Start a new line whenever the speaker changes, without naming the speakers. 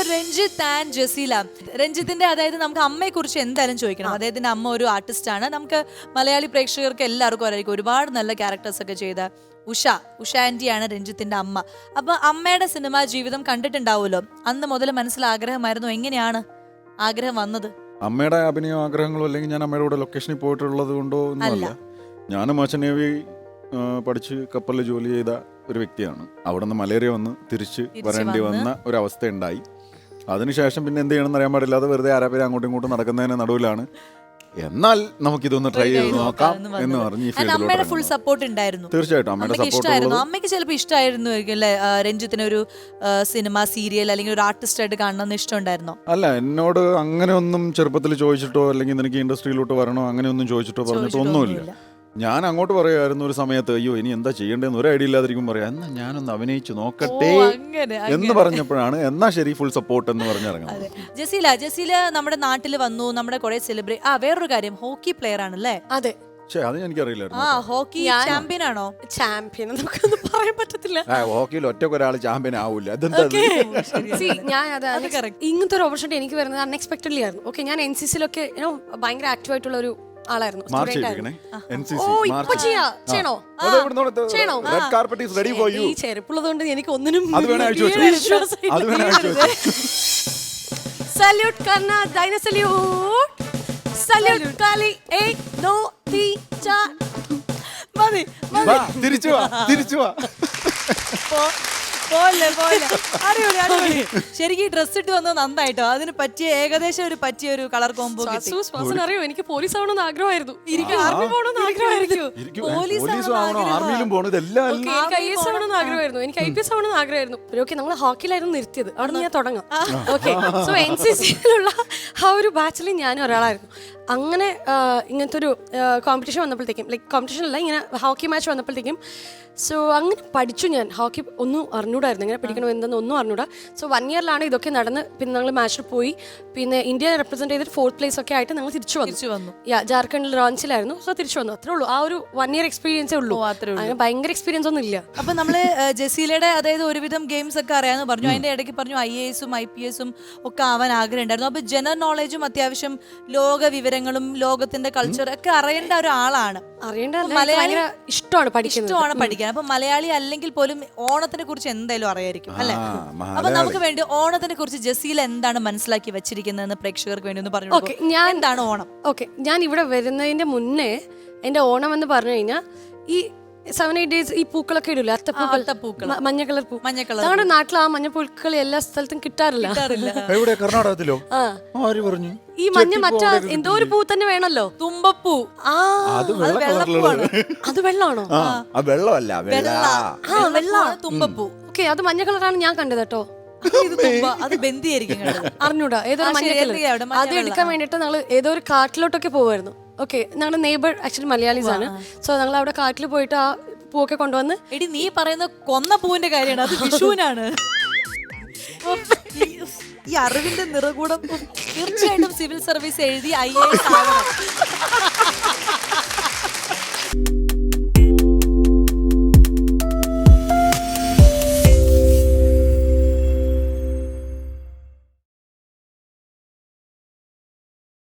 Ranjith and Jaseela, രഞ്ജിത്തിന്റെ അതായത് നമുക്ക് അമ്മയെ കുറിച്ച് എന്തായാലും ചോദിക്കണം. അദ്ദേഹത്തിന്റെ അമ്മ ഒരു ആർട്ടിസ്റ്റ് ആണ്. നമുക്ക് മലയാളി പ്രേക്ഷകർക്ക് എല്ലാവർക്കും അറിയാം, ഒരുപാട് നല്ല ക്യാരക്ടേഴ്സ് ഒക്കെ ചെയ്ത ഉഷ ആന്റിയാണ് രഞ്ജിത്തിന്റെ അമ്മ. അപ്പൊ അമ്മയുടെ സിനിമാ ജീവിതം കണ്ടിട്ടുണ്ടാവുമല്ലോ, അന്ന് മുതൽ മനസ്സിൽ ആഗ്രഹമായിരുന്നു. എങ്ങനെയാണ് ആഗ്രഹം വന്നത്?
അമ്മയുടെ അഭിനയ ആഗ്രഹങ്ങളോ അല്ലെങ്കിൽ ഞാൻ അമ്മയുടെ കൂടെ ലൊക്കേഷനിൽ പോയിട്ടുള്ളത് കൊണ്ടോ ഒന്നുമല്ല. ഞാനും മർച്ചന്റ് നേവി പഠിച്ച് കപ്പലിൽ ജോലി ചെയ്ത ഒരു വ്യക്തിയാണ്. അവിടെ നിന്ന് മലേറിയ വന്ന് തിരിച്ച് വരേണ്ടി വന്ന ഒരവസ്ഥ ഉണ്ടായി. അതിനുശേഷം പിന്നെ എന്ത് ചെയ്യണമെന്ന് അറിയാൻ പാടില്ലാതെ വെറുതെ ആരാപേരെ അങ്ങോട്ടും ഇങ്ങോട്ടും നടക്കുന്നതിന് നടുവിലാണ് എന്നാൽ നമുക്കിതൊന്ന് ട്രൈ ചെയ്ത് നോക്കാം എന്ന് പറഞ്ഞ് ഈ ഫീൽഡിലോട്ട്
ഫുൾ സപ്പോർട്ട് ഉണ്ടായിരുന്നു.
തീർച്ചയായിട്ടും അമ്മയുടെ സപ്പോർട്ട്.
അമ്മയ്ക്ക് ചിലപ്പോൾ ഇഷ്ടമായിരുന്നു അല്ലേ രഞ്ജിത്തിന് ഒരു സിനിമ സീരിയൽ അല്ലെങ്കിൽ ഒരു ആർട്ടിസ്റ്റ് ആയിട്ട് കാണണമെന്ന് ഇഷ്ടമുണ്ടായിരുന്നോ?
അല്ല, എന്നോട് അങ്ങനെ ഒന്നും ചെറുപ്പത്തിൽ ചോദിച്ചിട്ടോ അല്ലെങ്കിൽ നിനക്ക് ഇൻഡസ്ട്രിയിലോട്ട് വരണോ അങ്ങനെ ഒന്നും ചോദിച്ചിട്ടോ പറഞ്ഞിട്ടോ ഒന്നുമില്ല. ഞാൻ അങ്ങോട്ട് പറയുമായിരുന്നു ഒരു സമയത്ത്, അയ്യോ ഇനി എന്താ ചെയ്യേണ്ടതെന്ന് ഒരു ഐഡിയ ഇല്ലാതിരിക്കും, പറയാം എന്നാ ഞാനൊന്ന് അഭിനയിച്ചു നോക്കട്ടെ എന്ന് പറഞ്ഞപ്പോഴാണ് എന്നാ ശരി ഫുൾ സപ്പോർട്ട് എന്ന് പറഞ്ഞിറങ്ങുന്നത്.
ജസീല നമ്മുടെ നാട്ടിൽ വന്നു, നമ്മുടെ കുറെ സെലിബ്രേറ്റ്. വേറൊരു കാര്യം, ഹോക്കി പ്ലെയർ ആണല്ലേ?
അതെ.
അത് എനിക്കറിയില്ലായിരുന്നു.
ഹോക്കി ചാമ്പ്യൻ ആണോ?
ചാമ്പ്യൻ നമുക്കൊന്നും പറയാൻ പറ്റത്തില്ല.
ഹോക്കിയിൽ ഒറ്റക്ക് ഒരാൾ ചാമ്പ്യൻ ആവില്ല.
ഞാൻ ഇങ്ങനത്തെ ഒരു ഓപ്പർച്യൂണിറ്റി എനിക്ക് വരുന്നത് അൺഎക്സ്പെക്ടഡ്ലി ആയിരുന്നു. ഓക്കെ, ഞാൻ NCC-ലൊക്കെ ഭയങ്കര ആക്റ്റീവ് ആയിട്ടുള്ള ഒരു ആളായിരുന്നു. ഈ ചെരുപ്പുള്ളതുകൊണ്ട് എനിക്ക് ഒന്നിനും സല്യൂട്ട് കർണ ഡൈന സല്യൂട്ട് സല്യൂട്ട് കാലി ഏക് ദോ തീൻ ചാർ. മതി
തിരിച്ചു വാ.
ശരിക്കും ഡ്രസ് ഇട്ട് വന്നത് നന്നായിട്ടോ. അതിന് പറ്റിയ ഏകദേശം ഒരു കളർ കോംബോ.
അറിയോ, എനിക്ക് പോലീസ് ആവണമെന്ന് ആഗ്രഹമായിരുന്നു. ആർമി പോകണമെന്ന് ആഗ്രഹമായിരുന്നു. എനിക്ക് IPS ആവണമെന്ന് ആഗ്രഹമായിരുന്നു. ഓക്കെ, നമ്മൾ ഹോക്കിയിലായിരുന്നു നിർത്തിയത്. അവിടെ ഞാൻ തുടങ്ങാം. ഓക്കെ, സോ NCC-യിലുള്ള ആ ഒരു ബാച്ചിൽ ഞാനും ഒരാളായിരുന്നു. അങ്ങനെ ഇങ്ങനത്തെ ഒരു കോമ്പറ്റീഷൻ വന്നപ്പോഴത്തേക്കും, ലൈക്ക് കോമ്പറ്റീഷൻ അല്ല, ഇങ്ങനെ ഹോക്കി മാച്ച് വന്നപ്പോഴത്തേക്കും സോ അങ്ങനെ പഠിച്ചു. ഞാൻ ഹോക്കി ഒന്നും അറിഞ്ഞൂടായിരുന്നു, എങ്ങനെ പിടിക്കണം എന്തെന്ന് ഒന്നും അറിഞ്ഞൂടാ. സോ 1 ഇയറിലാണ് ഇതൊക്കെ നടന്ന്. പിന്നെ ഞങ്ങൾ മാച്ചിൽ പോയി, പിന്നെ ഇന്ത്യ റെപ്രസെന്റ് ചെയ്തിട്ട് 4th place ഒക്കെ ആയിട്ട് ഞങ്ങൾ തിരിച്ചു വന്നു. ജാർഖണ്ഡിൽ റാഞ്ചിലായിരുന്നു. സോ തിരിച്ചു വന്നു. അത്രേ ഉള്ളൂ. ആ ഒരു 1 ഇയർ എക്സ്പീരിയൻസേ ഉള്ളൂ. അങ്ങനെ ഭയങ്കര എക്സ്പീരിയൻസ് ഒന്നും ഇല്ല.
അപ്പൊ നമ്മള് ജസീലയുടെ അതായത് ഒരുവിധം ഗെയിംസ് ഒക്കെ അറിയാമെന്ന് പറഞ്ഞു. അതിന്റെ ഇടയ്ക്ക് പറഞ്ഞു IAS-ഉം IPS-ഉം ഒക്കെ ആവാൻ ആഗ്രഹം ഉണ്ടായിരുന്നു. അപ്പൊ ജനറൽ നോളജും അത്യാവശ്യം ലോക വിവരങ്ങളും ലോകത്തിന്റെ കൾച്ചർ ഒക്കെ അറിയേണ്ട ഒരാളാണ്.
ഇഷ്ടമാണ് പഠിക്കാൻ.
അപ്പൊ മലയാളി അല്ലെങ്കിൽ പോലും ഓണത്തിനെ കുറിച്ച് എന്തായാലും അറിയായിരിക്കും അല്ലെ? അപ്പൊ നമുക്ക് വേണ്ടി ഓണത്തിനെ കുറിച്ച് ജസീല എന്താണ് മനസ്സിലാക്കി വെച്ചിരിക്കുന്നതെന്ന് പ്രേക്ഷകർക്ക് വേണ്ടി ഒന്ന് പറഞ്ഞു. എന്താണ് ഓണം?
ഓക്കെ, ഞാൻ ഇവിടെ വരുന്നതിന്റെ മുന്നേ എന്റെ ഓണം എന്ന് പറഞ്ഞു കഴിഞ്ഞാൽ ഈ 7-8 days ഈ പൂക്കളൊക്കെ ഇടില്ല, അത്തപ്പൂക്കൾ, മഞ്ഞ കളർ പൂ. ഞങ്ങളുടെ നാട്ടിൽ ആ മഞ്ഞ പൂക്കൾ എല്ലാ സ്ഥലത്തും കിട്ടാറില്ല.
കർണാടകത്തിലോ?
ഈ മഞ്ഞ മറ്റേ എന്തോ ഒരു പൂ തന്നെ വേണല്ലോ, തുമ്പപ്പൂ. അത് വെള്ളമാണോ?
തുമ്പപ്പൂ.
ഓക്കെ, അത് മഞ്ഞ കളറാണ് ഞാൻ കണ്ടത് കേട്ടോ.
അത് ബന്ധിയായിരിക്കും,
അറിഞ്ഞൂടാ. ഏതോ മഞ്ഞ കളർ. അത് എടുക്കാൻ വേണ്ടിട്ട് ഞങ്ങൾ ഏതോ ഒരു കാട്ടിലോട്ടൊക്കെ പോവായിരുന്നു. ഓക്കെ, ഞങ്ങളുടെ നെയ്ബർ ആക്ച്വലി മലയാളീസ് ആണ്. സോ ഞങ്ങൾ അവിടെ കാട്ടിൽ പോയിട്ട് ആ പൂവൊക്കെ കൊണ്ടുവന്ന്.
എടി, നീ പറയുന്ന കൊന്ന പൂവിന്റെ കാര്യമാണ്, അത് വിഷുവിനാണ്. ഈ അറിവിന്റെ നിറകൂടം തീർച്ചയായിട്ടും സിവിൽ സർവീസ് എഴുതി IAS ആവണം.